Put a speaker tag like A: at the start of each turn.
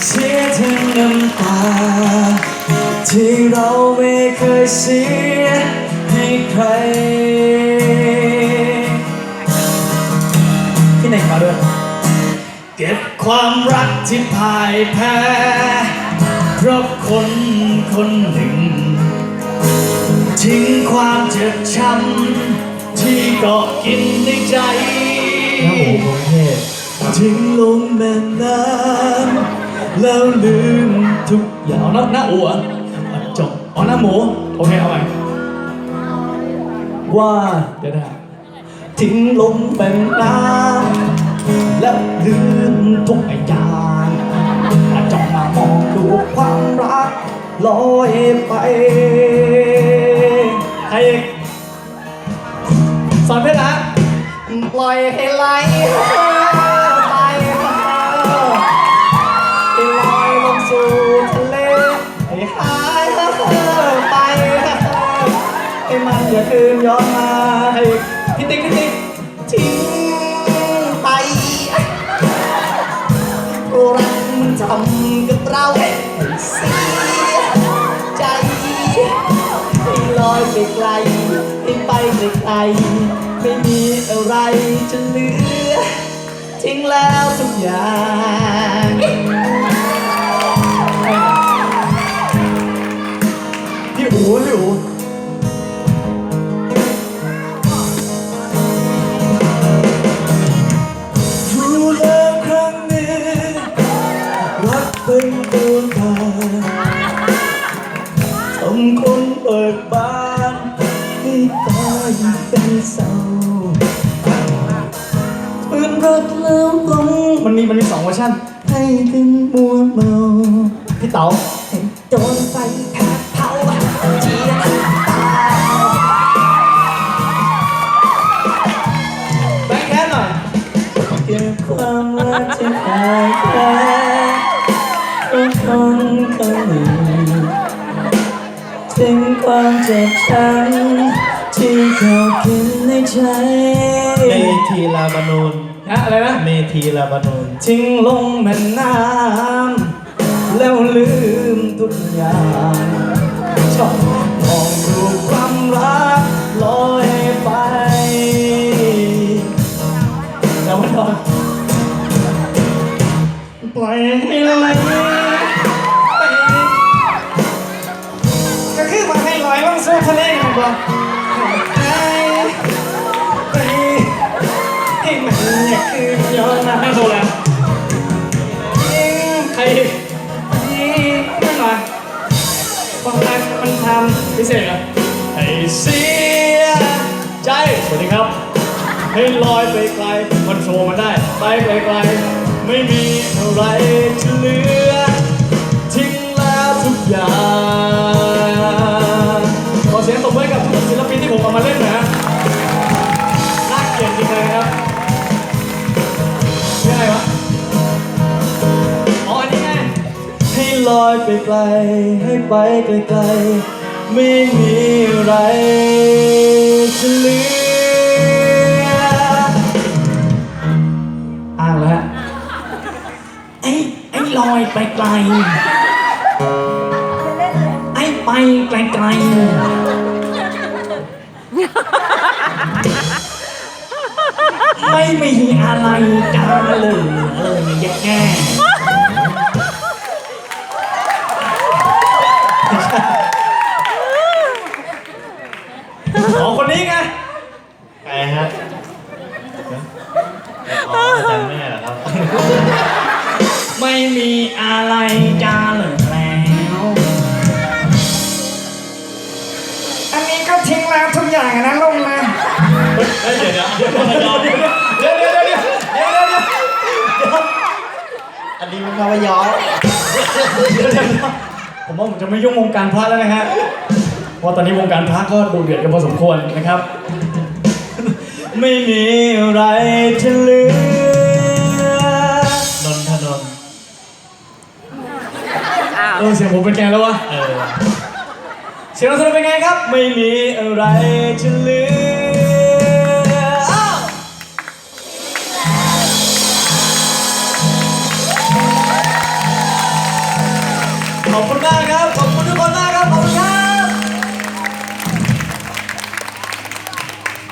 A: เสียทั้งน้ำตาที่เราไม่เคยเสียให้ใครที่ไหนมาด้วยเก็บความรักที่พ่ายแพ้เพราะคนคนหนึ่งทิ้งความเจ็บช้ำที่เกาะกินในใจน้ำหมูกรุงเทพทิ้งลงแม่น้ำแล้วลืมทุกอย่างเอาหน้าอัวจบเอาหน้าหมูโอเคเอาใหม่ว่าเดี๋ยวนะทิ้งลงแม่น้ำแล้วลืมทุกอย่างจ้องมามองดูความรักลอยไปใครอีกสอนเพื่อนนะปล่อยให้ไหลไปให้ลอยลงสู่ทะเลให้หายไปให้มันอย่าคืนย้อนมาให้พี่ติ๊กทิ้งไปรักมันทำกับเราให้เสียใจให้ลอยไปไกลให้ไปไกลไม่มีอะไรจะเหลือทิ้งแล้วทุกอย่างพี่อูรู้แล้วครั้งนี้รักเป็นดวงตาทำคนเปิดบานให้ตายเป็นเศร้าปืนรักแล้วต้องมันมี2 เวอร์ชันให้ถึงมัวเมาพี่เต๋าให้โดนไฟแผดเผาเจียนตาแบงค์แค่หน่อยเก็บความรักที่หายไปเป็นคนคนหนึ่งทิ้งความเจ็บช้ำที่เขากินในใจเมธีลาบานูนอะไรนะเมธีลาบานูนทิ้งลงแม่น้ำแล้วลืมทุกอย่างชอบมองดูความรักลอยไปแล้วมันก็ปล่อยให้ไหลก็คือมาให้ลอยลงสู่ทะเลกันก่อนไปให้มันอย่าคืนย้อนมาให้โซแล้วใครไม่มาความรักมันทำพิเศษเหรอให้เสียใจสวัสดีครับให้ลอยไปไกลมันโชว์มันได้ไปไกลไม่มีอะไรจะเหลือทิ้งแล้วทุกอย่างขอเสียงตบมือกับศิลปินที่ผมเอามาเล่นหน่อยฮะน่าเกลียดจริงเลยครับยังไงวะอ๋ออันนี้ไงให้ลอยไปไกลให้ไปไกลไม่มีอะไรจะเหลืออ้างแล้วฮะไอ้ลอยไปไกลไอ้ไปไกลไม่มีอะไรจะเลยแย่อ๋อคนนี้ไงใครฮะอ๋ออาจารย์แม่เหรอครับไม่มีอะไรจะเหลือแล้วอันนี้ก็ทิ้งแล้วทุกอย่างนะลงนะเดี๋ยวอันนี้มันคำว่าย้อยผมว่าผมจะไม่ยุ่งวงการพระแล้วนะฮะเพราะตอนนี้วงการพระก็ดูเดือดกันพอสมควรนะครับไม่มีอะไรจะเหลือนนทนนท์เสียงผมเป็นไงแล้ววะเสียงนนทนนท์เป็นไงครับไม่มีอะไรจะเหลือ ค
B: ขอบคุณมากครับ ขอบคุณทุกคนมาก